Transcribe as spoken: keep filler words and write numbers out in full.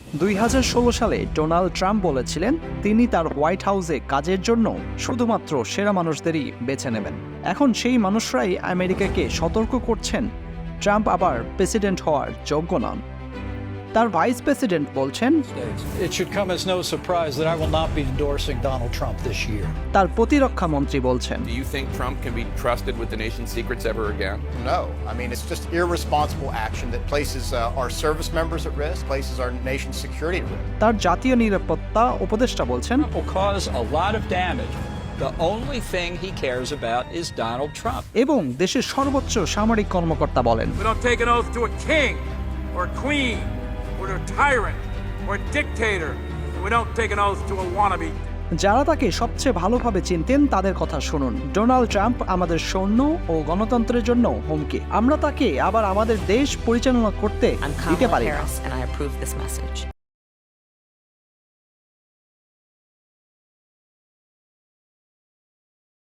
দুই হাজার ষোলো সালে ডোনাল্ড ট্রাম্প বলেছিলেন তিনি তার হোয়াইট হাউসে কাজের জন্য শুধুমাত্র সেরা মানুষদেরই বেছে নেবেন। এখন সেই মানুষরাই আমেরিকাকে সতর্ক করছেন ট্রাম্প আবার প্রেসিডেন্ট হওয়ার যোগ্য নন। তার ভাইস প্রেসিডেন্ট বলছেন, It should come as no surprise that I will not be endorsing Donald Trump this year. তার প্রতিরক্ষা মন্ত্রী বলছেন, Do you think Trump can be trusted with the nation's secrets ever again? No. I mean, it's just irresponsible action that places uh, our service members at risk, places our nation's security at risk. তার জাতীয় নিরাপত্তা উপদেষ্টা বলছেন, Trump will cause a lot of damage. The only thing he cares about is Donald Trump. এবং দেশের সর্বোচ্চ সামরিক কর্মকর্তা বলেন, We don't take an oath to a king or a queen or to a tyrant or a dictator. And we don't take an oath to a wannabe. যারা তাকে সবচেয়ে ভালোভাবে চিনতেন তাদের কথা শুনুন। ডোনাল্ড ট্রাম্প আমাদের সৈন্য ও গণতন্ত্রের জন্য হুমকি। আমরা তাকে আবার আমাদের দেশ পরিচালনা করতে I'm দিতে Kamala পারি না। Harris, and I approve this message.